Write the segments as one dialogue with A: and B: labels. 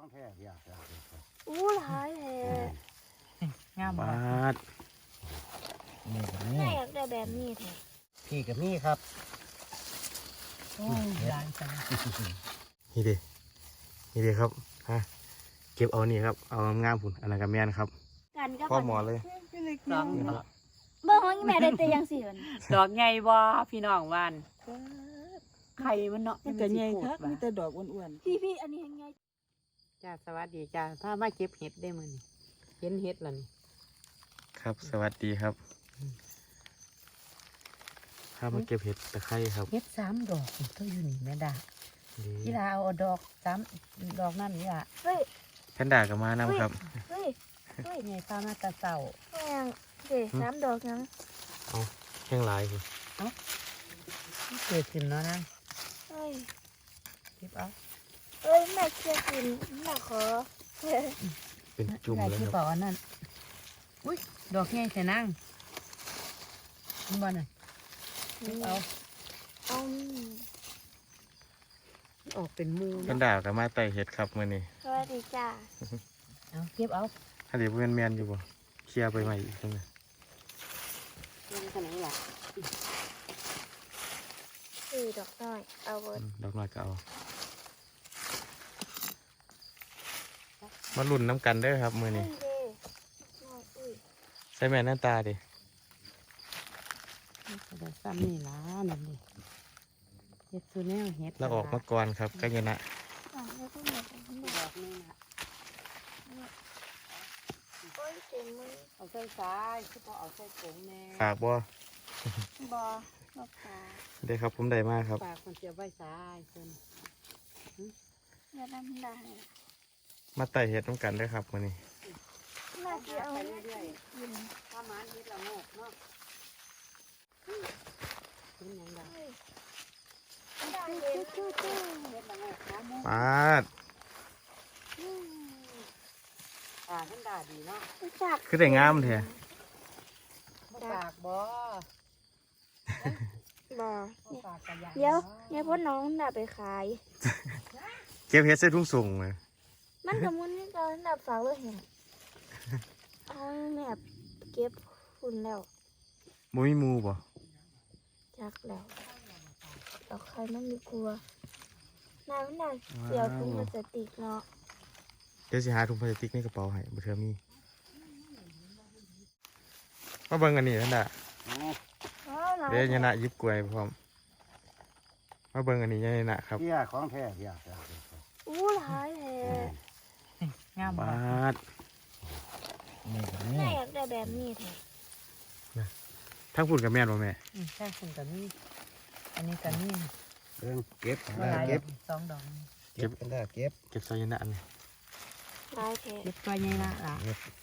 A: ของแท้อยาก
B: อู้หลายแท้
C: งาม
D: บ
C: บ่
D: าด
A: นี่กับ
B: แม่
A: นี่
B: อยากได้แบบนี้แท้
A: พี่กับนี่ครับ
C: โอ้ยลายจัง
D: นี่เด้นี่เด้ครับฮะเก็บเอานี่ครับเอางามๆพุ่นอันนั้นก็แม่นครับ
B: กันก็
D: พ่อหมอเลย
C: ดอก
B: เบิ่งว่าอีแม่ได้แต่ยังสิมัน
C: ดอกใหญ่บ่พี่น้องวานไข่มันเนาะ
E: มันก็ใหญ่ครับ
C: มั
E: มี
C: น
E: แต่ดอกอ้วน
B: พี่อันนี้ยังไง
C: จ้าสวัสดีจ้าพามาเก็บเห็ดได้มื้อนี้เห็นเห็ดแล้วนี่
D: ครับ สวัสดีครับถ้ามาเก็บเห็ดตะไคร้ครับ
C: เห็ด3ดอกก็อยู่นี่แม่ดา
D: นี่
C: พี่ลาเอาดอก3ดอกนั่นนี่ล่ะ
B: เฮ้ย
D: แพนด้าก็มานํครับ
B: เฮ้ย
C: ใหญ่ตามาแตะเช้า
B: แม่งเด็น้ำดอกยัง
D: แห้งหลายพุ่น
C: เกิดขึ้นเนาะนะ
B: เฮ้ย
C: เก็บเอา
B: เอ้ยแม่เชื่อกินแม่ขอ
D: เป็นจุ่ม
C: ได้
D: เลย
C: ที่
D: ครับ
C: เปล่าอันนั้นอุ้ยดอกใหญ่แต่นางมันบ่น่ะเก็บเอา
B: เอา
C: ออกเป็นหมู
D: แพนด้าก็มาไต่เห็ดครับมื้อนี้
B: สวัสดีจ้า
C: เอาเก็บเอา
D: ถ้าเดี๋ยวบ่แม่นๆอยู่บ่เคลียร์ไปใหม่อีกจังได๋
C: เป็นขนาดล่ะ
B: ดอกน้อยเอาเบิด
D: ดอกน้อยก็เอามาลุ้นน้ำกันเด้อครับมื้อนี้
B: เด้น้อยอุ้ย
D: ใส่แม่หน้าตาดิ
C: แต่ซ้ำนี่ล่ะนั่นดิเฮ็ดซูแนวเฮ็ด
D: เราออกมาก่อนครับกัญญนะ
B: แล้วก็หมดทั้งหมด
C: ดอกนึงอ่ะ
B: โอ้ยเต็มมือ
C: เอาใส่ซ้ายคือพอเอาใส่โป่งแน่
D: ฝากบ่
B: บอลอกตา
D: ได้ครับผมได้มากครับ
C: ปากคนเสียไว้ซ้ายเพิ่น
B: อย่าดำได้
D: มาไต่เห็ดน้ำกันเด้อครับมื้อนี้
B: น่าจะเอา
C: ไป
B: ไว้
C: เรื่อย
B: กิน
C: ๆถ้ามันเฮ็ดละโงกเนาะเป็นหยังไง
B: ได้เลยจู้
C: เฮ็ดละโงกนะโม
D: ปาด
C: ท่านด่าดีเนาะ
B: จาก
D: คือได้งามแท้
C: บ่ปากบ่
B: บอ
C: บ่ปากกะยา
B: เดี๋ยวเนี่ยพ่อน้องน่ะไปขาย
D: เก็บเห็ดใส่ถุงส่งเลย
B: มันกับมุนนี่ก็น่ะฝากไว้เห็นเอาแม่เก็บฝุ่นแล้ว
D: บ่มีหมู่บ่
B: จักแล้วดอกใครมันมีกลัวน้ำน่ะเสียวถุงพลาสติกเนาะ
D: เดี๋ยวสิหาถุงพลาสติกในกระเป๋าให้บ่เทื่อมีมาเบิ่งอันนี้นั่นน่ะ
B: หลาย
D: เดี๋ยวยะนะหยิบกล้วยพร้อมมาเบิ่งอันนี้ยะนะครับ
A: เที่ยของแท้อยาก
B: อู้หลายแท้
C: งามบ่
D: บาด
A: นี่กับ
B: แม่
A: นี่
B: อยากได้แบบนี้แท้
D: ทั้งพูดกับแม่นบ่แม่
C: ใช่คุณกับนี่อันนี้กับนี่
A: เรื่องเก็บ
C: เมื่อไร
A: เก็บ
C: 2 ดอก
A: เก็บกันได้เก็บ
D: เก็บใส่ยะนะอันนี้
B: หลายแท้
C: เก็บตัวใหญ่ละล่ะ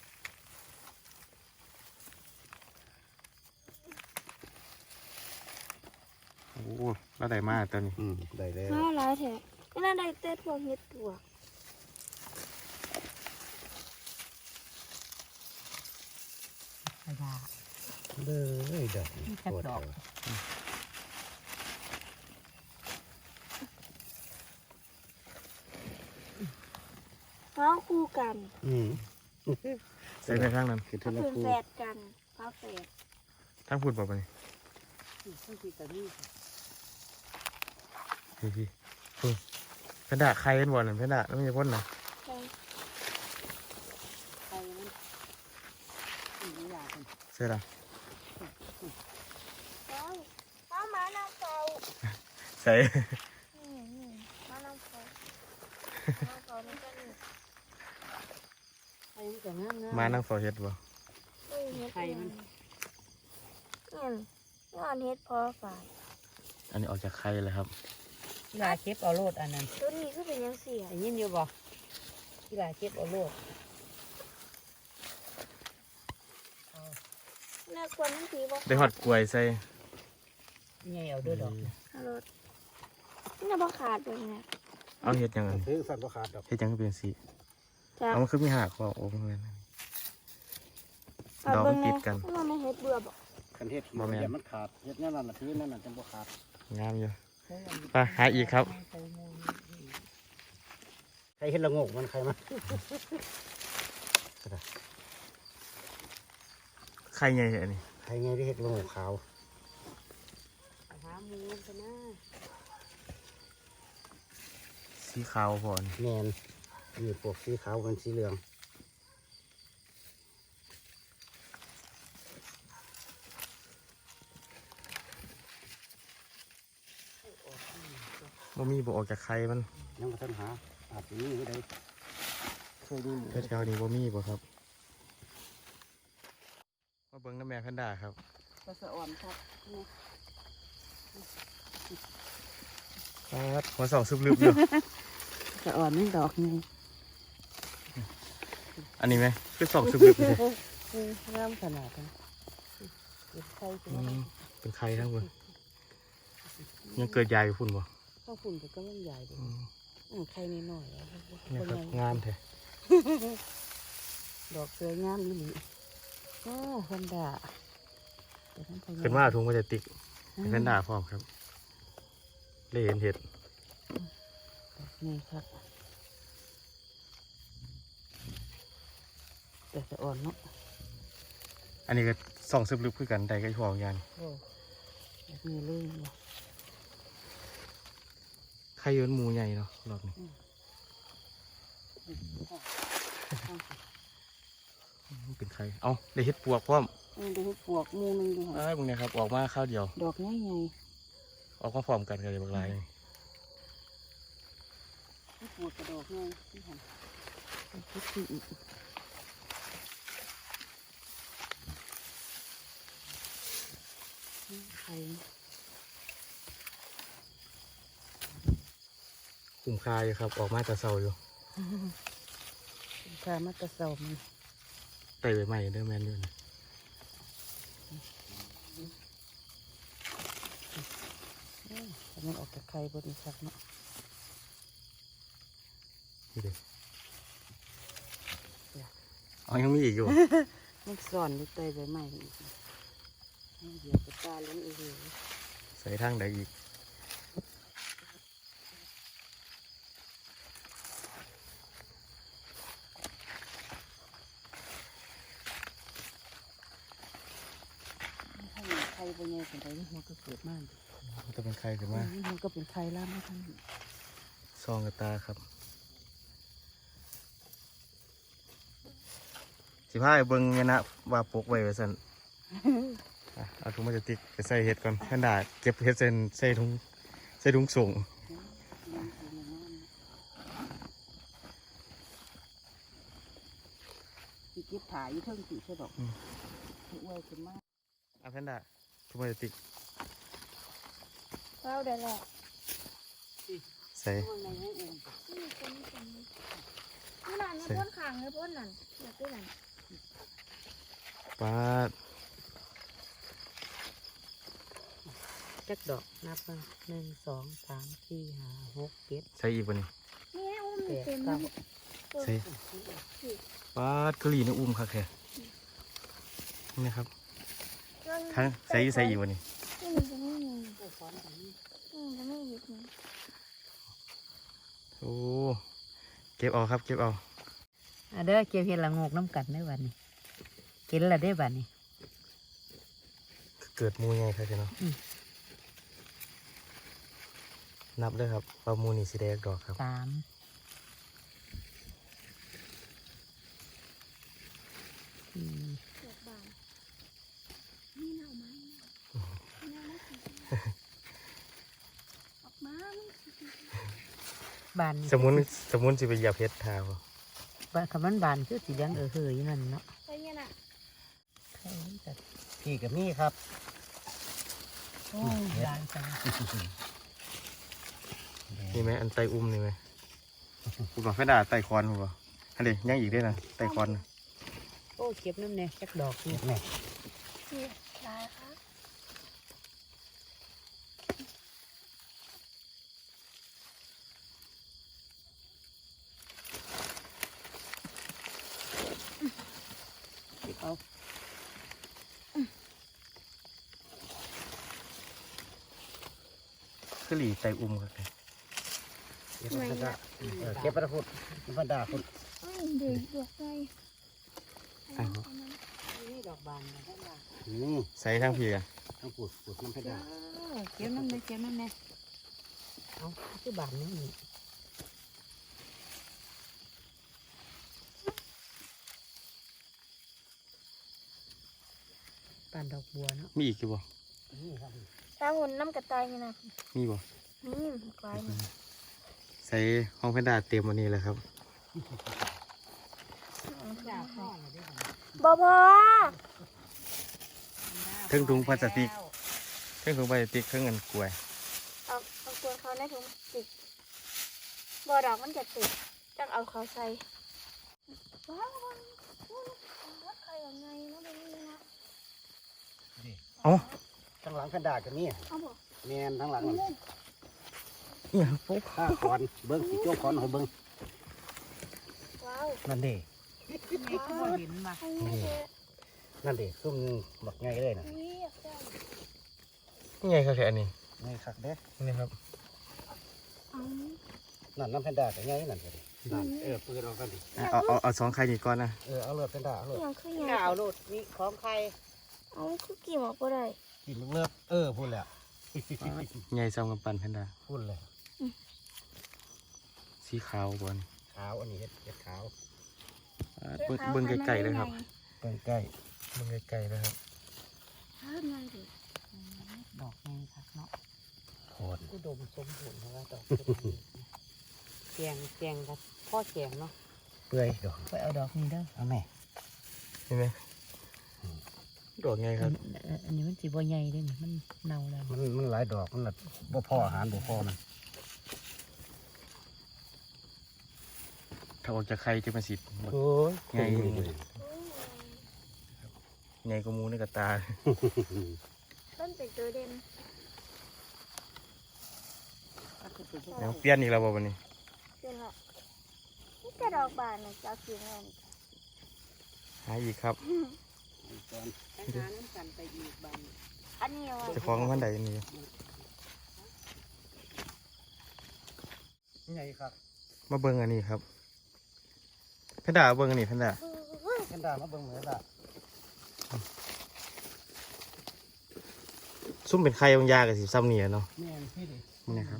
D: โอ้แล้วได้มาตัวนี้
A: ได้แล้ว
B: หลายแท้ก็น่าได้แต่พวกเห็ดตัว
C: กระดาษ
A: เลยดอก
C: นี่จักดอก
B: ฟ้าคู่กัน
D: ใส่ในทางนั้น
A: คือ
B: เขา
A: ทุก
B: เป็น
A: คู่
B: แฝดกันฟ้าแฝด
D: ทั้งพูดบ่ปะนี่
C: ทั้งที่กับนี่
D: พี่ๆเพนด้าใครเป็นบ่นั่นเพนด้าแล้วมันจะพ่นน่ะ
B: ใช่
C: ใครมันอีหลาเป็น
D: ใช่ล่ะ
B: ฟ้ามาน้ำเฝ้า
D: ใส่
B: นี่มาน้ำเฝ้าน้ำเฝ้านี่ก็นี่
C: ใครมันจะงาม
D: มานั่งเฝ้าเฮ็ดบ่
B: เฮ้ยเห็ดเองงานเห็ดพอฝ่าย
D: อันนี้ออกจากไข่เลยครับ
C: อีหลาเก็บเอาโลดอันนั้น
B: ตัวนี้คือเป็นยังเสีย
C: ได้ยินอยู่บ่อีหลาเก็บเอาโลด
B: น่ากลัวนั่นผีบอก
D: ได้ฮอดกล้วยใส่
C: ใหญ่เอาด้วยดอก
B: ฮัลโหลนี่น่าบอขาดเลยเนี่ย
D: เอาเฮ็ดยังไง
A: ซื้อสัตว์บ่ขาดดอก
D: เฮ็ดยังก็เป็นสี
B: จ้า
D: เอามันคือมีหักคอโอ้มันเลยดอกมันติดกัน
B: มันไม่เห็ดเบื่อบอก
A: คันเฮ็ดอย่ามันขาดเฮ็ดนั่นน่ะพื้นนั่นน่ะจังบ่ขาด
D: งามอยู่ไปหาอีกครับ
A: รเห็นละโงกมันใครมา
D: ไข่ใหญ่อันนี้
A: ใครไงที่เห็ดละโงกขาว
C: หาหมูกันนะ
D: สีขาวพอน
A: แมนมีพวกสีขาวเป็นสีเหลือง
D: บ่มีบ่ออกจากไข่มัน
A: ยังมาทันหาอาจจะมีก็ได้เคยมีหมู
D: แถวๆนี้บ่มีบ่ครับมาเบิ่งน้ำแม่แพนด้าครับ
C: ปลาสะอ่อนครับนี่
D: ครับหัวสองซึบลึบอยู่
C: สะอ่อนนี่ดอกไง
D: อันนี้ไหมคือสองซึบลึบเลย
C: งามขนาดนั้นเป็นไข่เป็น
D: เป็นไข่ทั้งหมดยังเกิดใหญ่อยู่พุ่นบ่
C: ข้าวฝุ่นก็มันใหญ่เลยไข่นิดหน่อย
D: นี่ครับงามแท้
C: ดอกสวยงามนี่หรือโอ้คนด่า
D: ขึ้นมาถุงพลาสติกเป็นแพนด้าพร้อมครับเลยเห็นเห็ด
C: นี่ครับแต่สะอ่อนเนาะ
D: อันนี้ก็สองซึบลึบคือกันใดก็อีพออย่าง
C: โอ้แบบนี้เลยเนาะ
D: ไข่เยินหมูใหญ่เนาะรอบนี้เป็นไข่เอ้าได้เห็ดปวกพร้อม
C: ดูปวกมูนึงดู
D: ไอ้พวกนี้ครับออกมาข้าวเดียว
C: ดอกง่ายไง
D: ออกมาพร้อมกันกันเลยบางราย
C: ปวดกระดอกง่ายที่หันคิดที่อีกไข่
D: คุ้มค่าอยู่ครับออกมาแต่เช้าอยู่
C: ข้ามัตตะเสามัน
D: ไต่ใบใหม่เด้อแมนอยู่นะ
C: แต่มันออกจากไข่บนชักเนาะ
D: นี่เด้อ๋อยังมีอีกอยู่
C: มันซ่อนอยู่ใต้ใบไม้อีกเดี๋ยวจะตาล้นอีกเลย
D: ใส่ทางใดอีก
C: ไข่บนใหญ่ขนาดนี้มันก็เกิดมาก
D: มันจะเป็นไข่ขึ้นมา
C: มันก็เป็นไข่ล่ามไม่ทัน
D: ซองกับตาครับสิพาไปเบิ่งเนี่ยนะว่าปกไว้ไว้สั่นอ่ะเอาถุงพลาสติกไปใส่เห็ดก่อนแพนด้าเก็บเห็ดใส่ถุงส่ง
C: ที่เก็บถ่ายอยู่เทิงสีใช่ดอกอวยขึ้นมาก
D: เอาแพนด้าถุงพลาสติก
B: เราเดี๋ยวแหละ
D: ใส่
C: ข้างในให้อุ่น
B: นี่นั่นในพ้นขางในพ้นนั่นอยากได้นั่น
D: ปาด
C: จักดอกนับมา1 2 3 4 5 6 7
D: ใส่อีกบ่นี่
B: นี่ให้อุ้ม
C: 8
B: เต็ม
C: 9
D: ใส่ปาดกะหรี่ในอุ้มค่ะแค่นี่นะครับทั้งใส่อยู่ใส่อีกบ่นี่
B: นี่มันจะไม่มีจะไม่หยิบมัน
D: โอ้เก็บเอาครับเก็บเอา
C: เด้อเก็บเห็ดละงกน้ำกัดได้บัดนี้กินละได้บัดนี้
D: เกิดหมูไงครับเนาะนับด้วยครับว่าหมูนี่สิได้ดอกครับ
C: 3
B: ดอกบานนี่เน่าไหมเน่าไม่สิออกมามัน
C: บาน
D: สมุนสิไปเหยียบเพชรทาว
C: บานคำมันบานคือสีเหลืองเฮยนั่นเนาะ
B: ไปเนี่ยน่ะ
A: พี่กับนี่ครับ
C: โอ้บานจัง
D: นี่ไหมอันไตอุ้มนี่ไหมกูบอกแค่ด่าไตคอนกูบอกอันเดียยังอีกด้วยนะไตคอนนะ
C: โอ้เก็บน้ำเนี่ยจักดอกนี่
A: แม่
B: นี่ได้ค่ะ
C: เอา
D: คือหลีไตอุ้มครับ
A: เก็บแพนด้าเก็บไปตะพุดแพนด้าคุณ
B: เอ้ยเด็กดอกไฟ
C: นี่ดอกบานได้บ่
D: ใส่ทั้งพี่กัน
A: ทั้งปูดน้ำแพนด้า
C: เก็บนั่นเลยเก็บนั่นแน่เอาคือบานนี่ปานดอกบัวเนาะ
D: มีอีกอยู่บ่
A: นี่ครับ
B: ถ้าหุ่นน้ำกระต่ายนี่นะ
D: มีบ่
B: นี่กลายนี่
D: ใส่ห้องแพนด้าเต็มวันนี้เลยครับ
C: ดาวพ่อเลยได้
B: บ่พอ
D: เครื่องถุงพลาสติกเครื่องถุงพลาสติกเครื่องเงินกล้วย
B: เอาตัวเขาในถุงติดบ่ดอกมันจะติดจักเอาเขาใส่ว้าวใครยังไงนะเป็นนี่นะ
D: เอ้า
A: ทั้งหลังแพนด้าก็มี
B: เอาบ่
A: แมนทั้งหลังนั่น
D: เนี่ยปุ๊บ
A: ข้าคอนเบิ้งสีโจ้คอนของเบิ้ง
B: ว้าว
A: นั่นเด้
C: ไงก็บ่เห็นมา
B: ไอ้นี่เจ๊
A: นั่นเด้ซุ่มบักไงเลยนะ
B: นี่อยากได้
D: นี่ไงครับแค่อันนี้
A: ไงคักเด้
D: นี่ครับ
B: เอา
A: นั่นน้ำแพนด้าก็ไงนั่นก็ดินั่นปืนออกกันดิ
D: เอาสองไข่นี่ก่อนนะ
A: เอาเลือดแพนด้าเอาเลือด
B: อย่างคือหยัง
C: ดาวโลดนี่ของใคร
B: เอาคือกี่หมอกบ่ได้
A: กินเลือดพูดแหละ
D: ใหญ่ซ้ำกับปันแพนด้า
A: พูดเลย
D: สีขาวบน
A: ขาวอันนี้เห็ดขาว
D: เบิ่งไกลๆเลยครับ
A: เบิ้งใกล้
D: เบิ่งไกลๆเลยครับ
B: เพิ่มเลยดิ
C: ดอกนี่ครับเนาะ
A: โคน
C: อุดมสมบูรณ์เพราะว่าดอกแกงกับพ่อแกงเนาะ
A: เปื่อยดอก
C: ไปเอาดอกนี้เด้อ
A: เอาแม่
D: เห็นไหมดอกไงครับ
C: อันนี้มันสีบัวใหญ่เด้นี่มันเน่าแล้ว
A: มันหลายดอกมันแบบบ่พออาหารบ่พอมัน
D: ถ้าออกจากไข่จะเป็นสี
A: โอ้ย
D: ไงไงก็มูในกระตา
B: ต้นเป็นตัวเด่น
D: เดี๋ยวเปลี่ยนอีกแล้วบ่วันนี้
B: เป็นละนี่แต่ดอกบานนะจะเอากินแล้วนี่
D: หาอีกครับ
C: ไปหาน้ำกันไปอีกบาง
B: อันนี้เอาไว้
D: เจะฟ้าของมันใดนี่
A: ไงครับ
D: มาเบิ่งอันนี้ครับแพนด้าเบิ่งอันนี้แพนด้า
A: แพนด้ามาเบิ่งเหมือนละ
D: ซุ่มเป็นไข่บางยากับสีซ้ำนี่อะเนาะ
A: แม่นพี่ดิ
D: นี่นะครับ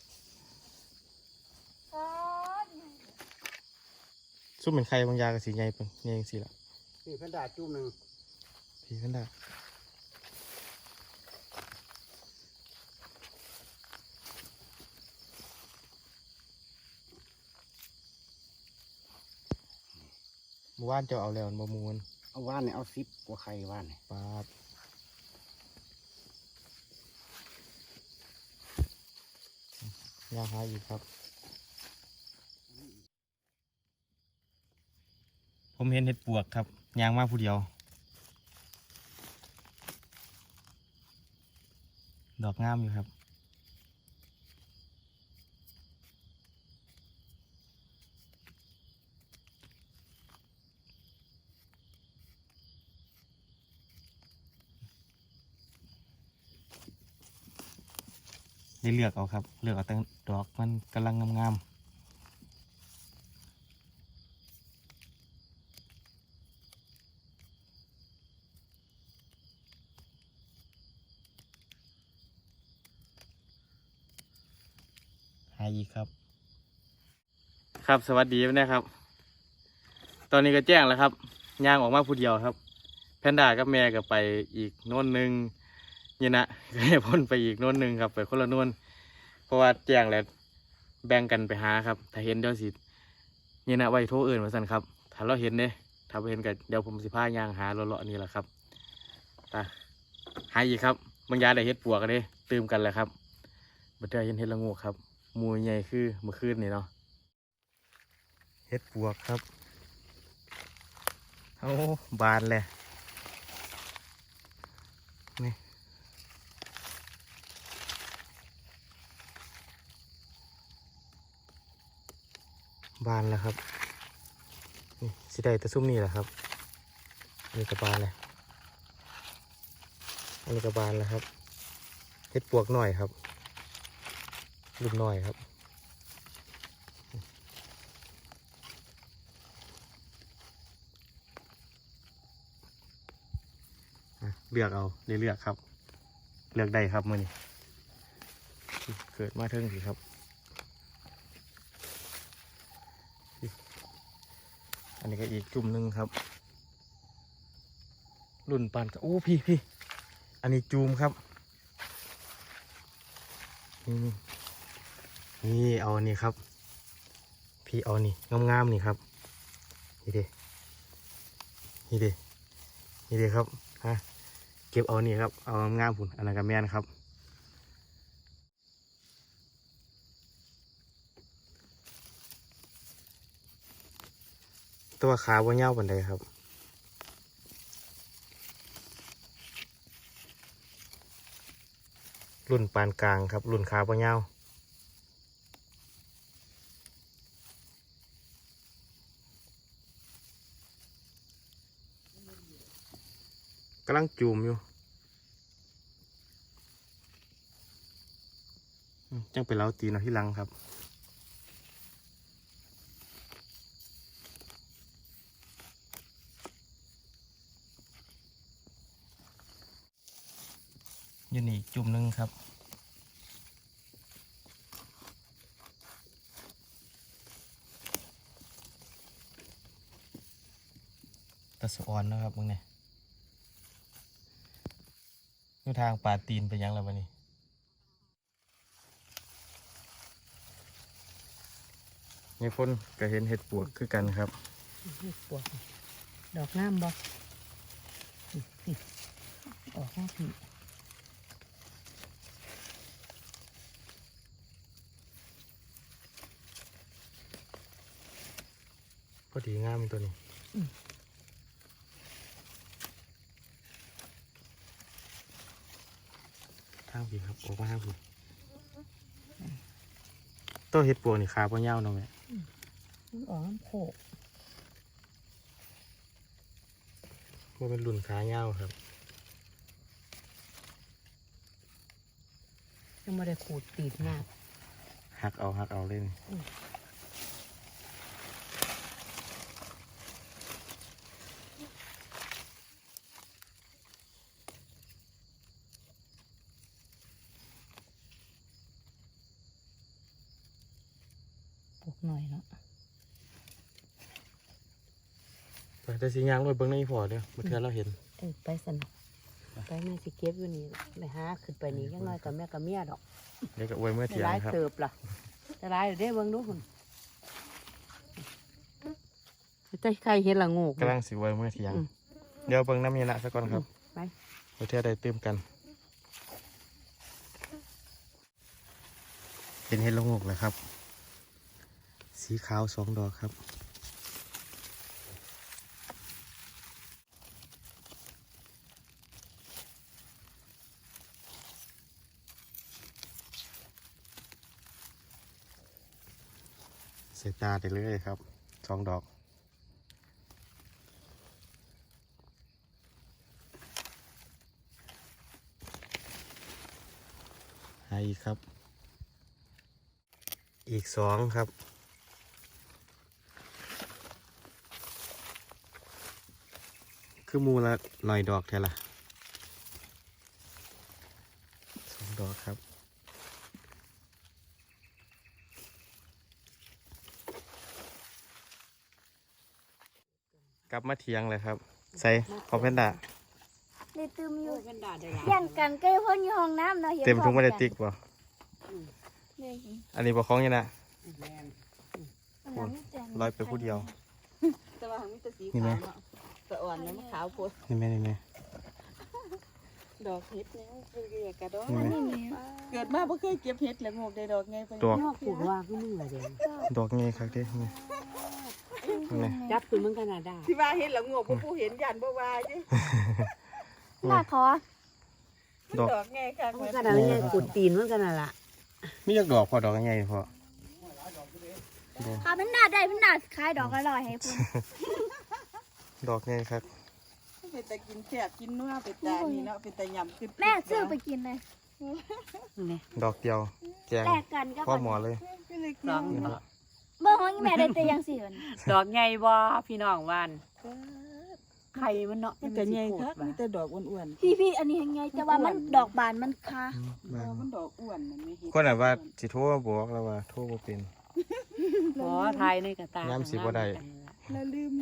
B: ก้อน
D: ซุ่มเป็นไข่บางยากับสีใหญ่เป็นใหญ่จังซี่ล่ะ
A: นี่แพนด้าจุ่มหนึ่ง
D: พี่แพนด้าเมื่อวานเจ้าเอาแล้วมันบ่มูน
A: เอาว่านเนี่ยเอา10กว่าไข่ว่านเนี่ย
D: ปาดยาหาอีกครับ ผมเห็นเห็ดปวกครับยางมาผู้เดียว ดอกงามอยู่ครับได้เลือกเอาครับ เลือกเอาแต่ดอกมันกำลังงามๆหาอีกครับ ครับสวัสดีนะครับ ตอนนี้ก็แจ้งแล้วครับย่างออกมาผู้เดียวครับ แพนด้ากับแม่ก็ไปอีกโน่นหนึ่งนี่นะ ก็ให้พ้นไปอีกโน่นหนึ่งครับไปคนละโน่นเพราะว่าแจ้งแล้วแบ่งกันไปหาครับ ถ้าเห็นเดี๋ยวสินี่นะไว้โทรเอื่นมาสั่นครับ ถ้าเราเห็นเนี่ยถ้าไม่เห็นก็เดี๋ยวผมสิพาย่างหาเลาะๆนี่แหละครับไปหาอีกครับบางยาได้เฮ็ดปวกกันเลยตื่มกันแหละครับบัดเดี๋ยวเห็นเฮ็ดละงูครับหมูใหญ่คือเมื่อคืนนี่เนาะเฮ็ดปวกครับโอ้บานเลยนี่บานแล้วครับนี่สิได้แต่ซุ่มนี่แหละครับอันนี้กระบานเลยอันนี้กระบานแล้วครับเฮ็ดปวกหน่อยครับลูกหน่อยครับเลือกเอาเลือกครับเลือกได้ครับมื้อนี้เกิดมาเทิงสิครับอันนี้ก็อีกจุ่มหนึ่งครับรุ่นปานกับโอ้พี่อันนี้จูมครับนี่เอาอันนี้ครับพี่เอานี่งามๆนี่ครับนี่เด้ครับฮะเก็บเอานี่ครับเอางามๆพุ่นอันนั้นก็แม่นครับตัวขาบ่ยาวปานใดครับรุ่นปานกลางครับรุ่นขาบ่ยาวกำลังจูมอยู่จังไปเล้าตีนเอาที่หลังครับอยู่นี่จุ่มหนึ่งครับตะสอนนะครับมึงเนี่ยอยู่ทางป่าตีนไปยังแล้ววะนี่นี่พ่นก็เห็นเห็ดปวกคือกันครับ
C: ปวดดอกงามบ่ออกมาพี่
D: พอดีงามตัวนี้ทางพี่ครับออกมาทางพี่ตัวเห็ดปวกนี่ขาบ่ยาวเนาะแม่
C: ออกน้ำโขก
D: ว่าเป็นรุ่นขายาวครับ
C: ยังไม่ได้ขูดตีดงา
D: หักเอาเล่น
C: ปลูกหน่อยเนาะ
D: ไปแต่สียางรถเบิ้งในพอเด้อเมื่อเทื่อเราเห็น
C: ไปสนุกไปแม่สิเก็บอยู่นี่ไปหาขึ้นไปนี่ยังน้อยกับแม่กับเมียดอก
D: เดี๋ยวก็อวยเมื่อเที่ยง
C: ร้าย
D: ครับ
C: เติบล่ะจะร้ายเด้เบิ่งดูคุณใจใครเห็นละงู
D: กำลังสิอวยเมื่อเที่ยงเดี๋ยวเบิ้งน้ำมีนะสักก่อนครับ
C: ไป
D: เมื่อเทื่อได้ตื่มกันเห็นเห็ดละโงกเลยครับสีขาว2 ดอกครับใส่ตาได้เลยครับ2 ดอกหาอีกครับอีก2ครับคือมูละหน่อยดอกแท้ละ2 ดอกครับกลับมาเทียงเลยครับใส่คอมเพนดา
B: ได้ตืมอยู่
C: เป็นดาได้
B: ย่างกันใกล้พ่นอยู่ห้องน้ำเนาะเห็น
D: เต็มถุงไม่ได้ติ๊กบ่
B: เลย
D: อันนี้บ่คล้องยังนะ
B: อันนั้นแต่
D: ร้อยไปผู้เดียว
C: แต่ว่ามีแต่สี
D: นี่ไหม
C: ขาวเนาะแต่อ่อนเนี่ยมันขาวโพด
D: นี่แม่นี่แม่
C: ดอกเห็ดเนี่ยมันเป็นกระดอก
D: นี่ไหม
B: นี่แม่
C: เกิดมาบ่เคยเก็บเห็ดเลยงอกได้ดอกไงไป
D: ดอก
C: งอกปลูกว่าคือมึงละเดี๋ยว
D: ดอกงี้ครับเด้นี่นี่
C: จับคือมึงขนาดได้ที่ว่าเห็ดละงอกบ่ผู้เห็นยันบ่ว่าจิ
B: หน้าคอ
D: ดอก
C: ดอกไงค่ะ
E: มันขนาดนี้กุดตีนมันขนาดละ
D: มีจักดอกพอดอกยังไงพอ
B: ค่ะมันหน้าได้มันหน้าคล้ายดอกอร่อยให้พุ่น
D: ดอกไงครับ
C: เป็นแต่กินแซ่บกินนัวเป็นตานี่เนาะเป็นแต่ยำขึ้น
B: แม่ซื้อไปกินเลย
E: นี่
D: ดอกเดียวแกง
B: แลกกันก็
D: พ่อหมอเลย
C: สอง
D: นี่เนาะ
B: เบอร์ของอีแม่ได้แต่ยังสี่วัน
E: ดอกไงบ่พี่น้องวานไข่มันเนาะ
F: มันก็ใหญ่คักมีแต่ดอกอ้วน
B: พี่อันนี้ยังไงแต่ว่ามันดอกบานมันค่ะ
F: ๆมันดอกอ้วนมันไม่เห็น
D: คนน่ะว่าสิโทรมาบอกแล้วว่าโทรบ่เป็น
E: ขอทายในกระตาย
D: ามสิบ่ได้
F: ละลืม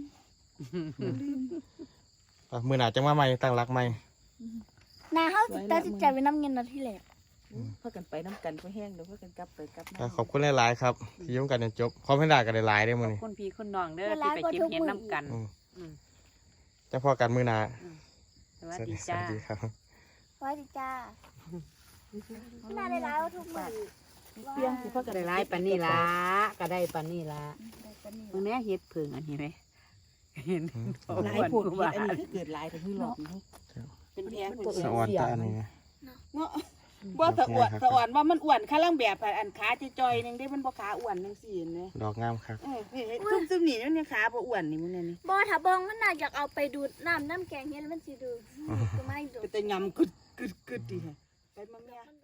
D: มื้อหน้าจังมาใหม่ตั้งรักใหม่
B: นาเฮาตัดสินใจไว้น้ำเงินนาทีแรก
F: พากันไปน้ำกันพอแห้งเดี๋ยวพากันกลับไปกลับมา
D: ก็ขอบคุณหลายๆครับที่ยุ่งกันจนจบขอให้ด่ากันหลายๆได้อมื้อนี้
E: คนพี่คนน้องเด้อที่ไปเก็บเห็ดน้ำกัน
D: อืมจะพอกันมื้อหน้า
E: สวัสดีจ้า
D: สวัสดีครับ
B: ไว้ดิจ้านาได้ร้ายว่าทุกมือ
F: เปียงสิพากัน
E: ได้หลายปานนี้ล่ะก็ได้ปานนี้ล่ะมึงแน่เฮ็ดเพิ่งอันนี้ไหมเห็น
F: หลายพวกเห็ดอันนี้คือเกิดหลายแต่คือหลอกนี่
E: เป็นแพง
D: สะออนตาอันนี้
F: เนาะบ่สะอวดสะอ่อนว่ามันอ้วนข้าล่างแบบอันขาจอยๆนึงได้มันบ่ขาอ้วนจังซี่นะ
D: ดอกงามครับ
F: นี่ซุ่มๆนี่มันยังขาบ่อ้วนนี่มันนี่
B: บ่ถ้าบองมันน่าอยากเอาไปดูดน้ำแกงเฮ็ดมันสิดูก็ไม่ดู
F: ก็แต่ยำกึดๆๆดิไปมาแม่